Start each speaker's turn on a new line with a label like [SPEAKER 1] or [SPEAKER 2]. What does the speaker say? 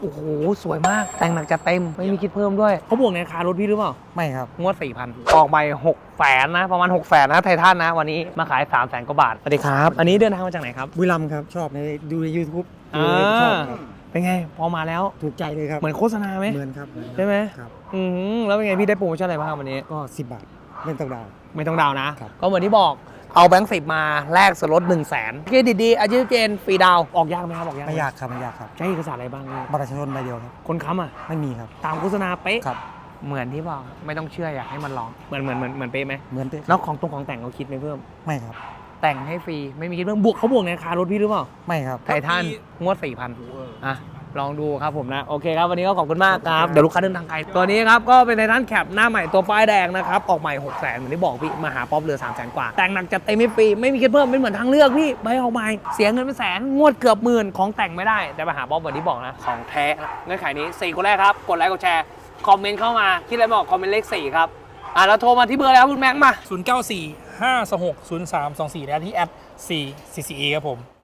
[SPEAKER 1] โอ้โหสวยมากแต่งหนักจัดเต็มไม่มีคิดเพิ่มด้วยเขาบวกในราคารถพี่หรือเปล่า
[SPEAKER 2] ไม่ครับ
[SPEAKER 1] งวด 4,000 ออกไป600,000นะประมาณ600,000นะไททันนะวันนี้มาขาย300,000 กว่าบาทสวัสดีครับอันนี้เดินทางมาจากไหนครับ
[SPEAKER 2] บุรีรัมย์ครับชอบดูใน YouTube ดูชอบครับ
[SPEAKER 1] เป็นไงพอมาแล้ว
[SPEAKER 2] ถูกใจเลยครับ
[SPEAKER 1] เหมือนโฆษณาไหม
[SPEAKER 2] เหมือนครับ
[SPEAKER 1] ใช่ไหม
[SPEAKER 2] ครับ
[SPEAKER 1] แล้วเป็นไงพี่ได้โปรโมชั่นอะไรบ้างวันนี้
[SPEAKER 2] ก็10 บาทเล่นต้องดาว
[SPEAKER 1] ไม่ต้องดาวนะครับ ก็เหมือนที่บอกเอาแบงค์10มาแลกส่วนลด 100,000เครดิตดีอาชีพเจนฟรีดาวออกยากไหมครับออกยากห
[SPEAKER 2] ไม่ยากครับไม่ยากครับ
[SPEAKER 1] ใช้เอกสารอะไรบ้างพี่
[SPEAKER 2] บัตรประชาชนใบเดียวครับ
[SPEAKER 1] คนค้ำอ่ะ
[SPEAKER 2] ไม่มีครับ
[SPEAKER 1] ตามโฆษณาเป๊ะ
[SPEAKER 2] ครับ
[SPEAKER 1] เหมือนที่บอกไม่ต้องเชื่ออยากให้มันลองเหมือนเป๊ะไหม
[SPEAKER 2] เหมือนเป๊ะ
[SPEAKER 1] แล้วของแต่งเขาคิดไหมเพิ่ม
[SPEAKER 2] ไม่ครับ
[SPEAKER 1] แต่งให้ฟรีไม่มีคิดเพิ่มเขาบวกในราคารถพี่หรือเปล่า
[SPEAKER 2] ไม่ครับ
[SPEAKER 1] ไททันงวด 4,000อ่ะลองดูครับผมนะโอเคครับวันนี้ก็ขอบคุณมากครับเดี๋ยวลูกค้าเดินทางไกลตัวนี้ครับก็เป็นไททันแคปหน้าใหม่ตัวป้ายแดงนะครับออกใหม่600,000เหมือนที่บอกพี่มาหาป๊อปเหลือ300,000 กว่าแต่งหนักจัดเต็มไม่ฟรีไม่มีคิดเพิ่มไม่เหมือนทางเลือกพี่ใบออกใหม่เสียเงินเป็นแสนงวดเกือบหมื่นของแต่งไม่ได้แต่มาหาป๊อปเหมือนที่บอกนะของแท้เงื่อนไขนี้4คนแรกครับกดไลค์กดแชร์คอมเมนต์เข้ามาคิดอะไรบอกคอมเมนต์เลข4ครับแล้วโทรมาที่เบอร์แล้วคุณแม็กมา
[SPEAKER 3] 0945260324และที่แอด 4CCA ครับผม